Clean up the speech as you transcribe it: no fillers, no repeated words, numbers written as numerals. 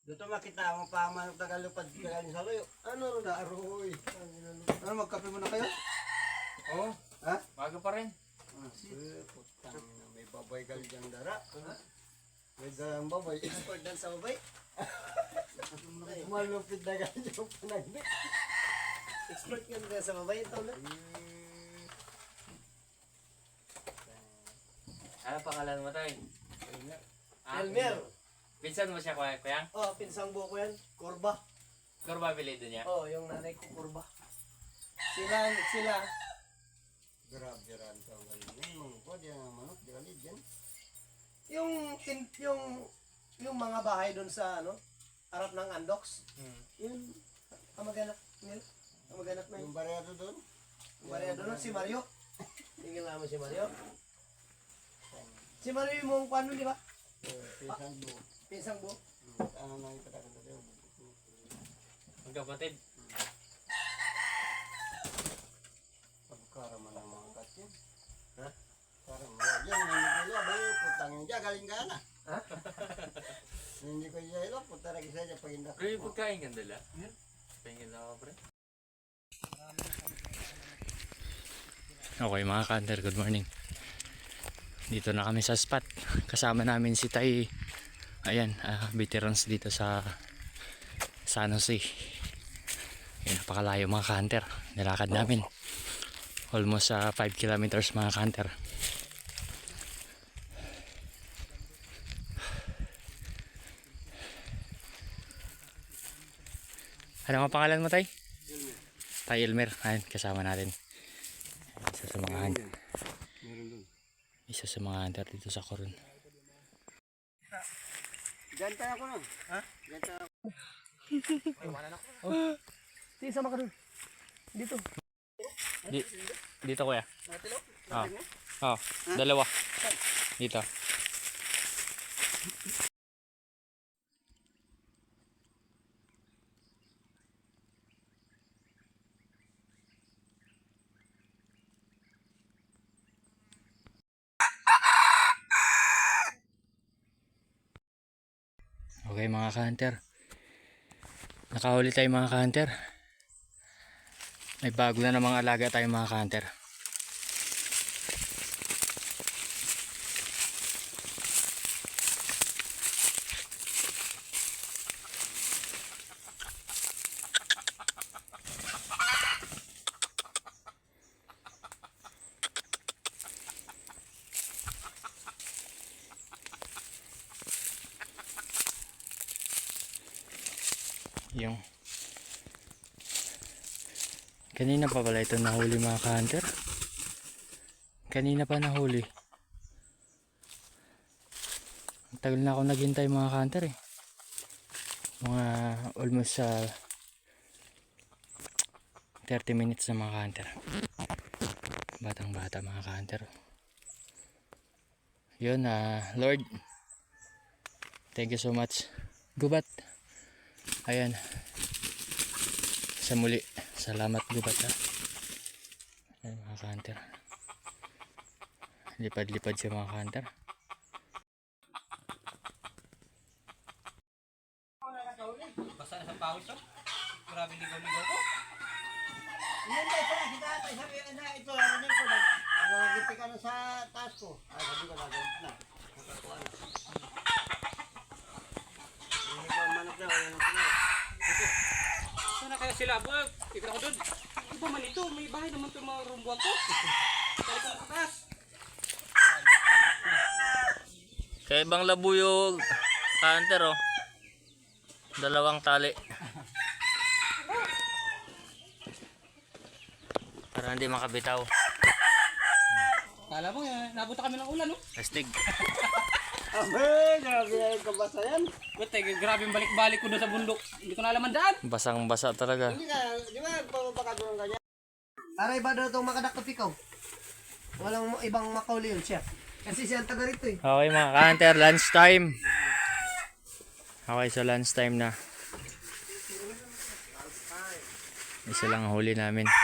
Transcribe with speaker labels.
Speaker 1: Dito makita mo pa manok tagalupad kagaling sa loyo. Ano ro da aroy. Ano magkape mo na kayo?
Speaker 2: Oo.
Speaker 1: Ha?
Speaker 2: Bago pa rin.
Speaker 1: Putang na may babay gal diyang dara. May darang babay. Expert dan sa babay. Malupit na gal diyang panagbi. Expert ka na sa babay ito na.
Speaker 2: Ano pangalan mo tayo?
Speaker 1: Elmer.
Speaker 2: Pinsan mo siya, Kuyang?
Speaker 1: Oh, pinsang buko yan. Kurba.
Speaker 2: Kurba apelido niya?
Speaker 1: Oh, yung nanay ko kurba. Sila. Grabe ran to ang galing. Mangko diyan ang manok, di galit diyan. Yung mga bahay doon sa ano, harap ng Andox. Yun kamag-anak nila. Kamag-anak na yun. Yung barya doon. Yung barya doon si Mario. Tingin naman si Mario. Si Mario yung mong kwano, di ba? Pinsang buo. Pinsang buo? Ano na yung patakan doon?
Speaker 2: Magkapatid?
Speaker 1: Pagkaraman ng mga katyan. Ha? Parang yan, nangyayla ba yung putang niya, galing ka na. Ha? Hindi ko yelo, puta na kisa niya pagindak.
Speaker 2: Pero yung pagkain kang dala? Pahingin na ako, pre.
Speaker 3: Okay mga ka-hunter, good morning. Dito na kami sa spot. Kasama namin si Tay. Ayan, veterans dito sa San Jose. Ayan, napakalayo mga ka-hunter. Nilakad namin. Almost 5 kilometers mga ka-hunter. Ano ang pangalan mo, Tay?
Speaker 1: Elmer.
Speaker 3: Tay Elmer. Ayan, kasama natin. Isa sa mga hunter.
Speaker 1: Meron doon.
Speaker 3: Isa sa mga hunter dito sa Coron.
Speaker 1: Diyan tayo ako nun. Ha? Diyan tayo ako.
Speaker 2: Ay, wala na ako.
Speaker 1: Sige, sama ka dun. Dito.
Speaker 3: Dito kuya.
Speaker 1: Natilo?
Speaker 3: Oh, dalawa. Dito. Okay mga ka-hunter. Nakahuli tayo mga ka-hunter. May bago na namang alaga tayo mga ka-hunter. Yung kanina pa pala ito nahuli mga ka-hunter. Kanina pa nahuli. Ang tagal na ako naghintay mga ka-hunter eh. Mga almost 30 minutes na mga ka-hunter. Batang bata mga ka-hunter. Yun, Lord, thank you so much. Gubat. Ayan. Sa muli. Salamat Gubat ha. Ayan mga ka-hunter. Lipad-lipad siya mga ka-hunter.
Speaker 2: Basta na sa pawis to. Grabe ligaw-ligaw ko.
Speaker 1: Yan tayo sa nakita tayo. Sabi na ito. Ano nyo ko. Nagagipit ka na sa taas ko. Ay, sabi ko nagagipit na. Nakakuha na. Hindi ko manok daw.
Speaker 4: Saan na kaya sila? Ikot ako doon. Iba man ito, may bahay naman ito mga rumbuan ko. Kaya ko nakakas.
Speaker 3: Kaya ibang labuyog ka-hunter oh. Dalawang tali. Para hindi makabitaw.
Speaker 4: Kala mo, nabuta kami ng ulan, no?
Speaker 3: Astig.
Speaker 1: Abe, grabe yung kabasa yan.
Speaker 4: Buti, grabe yung balik-balik ko doon sa bundok. Hindi ko na alaman daan.
Speaker 3: Basang basa talaga.
Speaker 1: Hindi ka, di ba pababa ka doon ganyan? Aray ba daw itong makadakot ikaw? Walang ibang makauli yun siya. Kasi siya ang taga rito eh.
Speaker 3: Okay mga ka-hunter, lunch time. Okay, so lunch time na. Isa lang huli namin.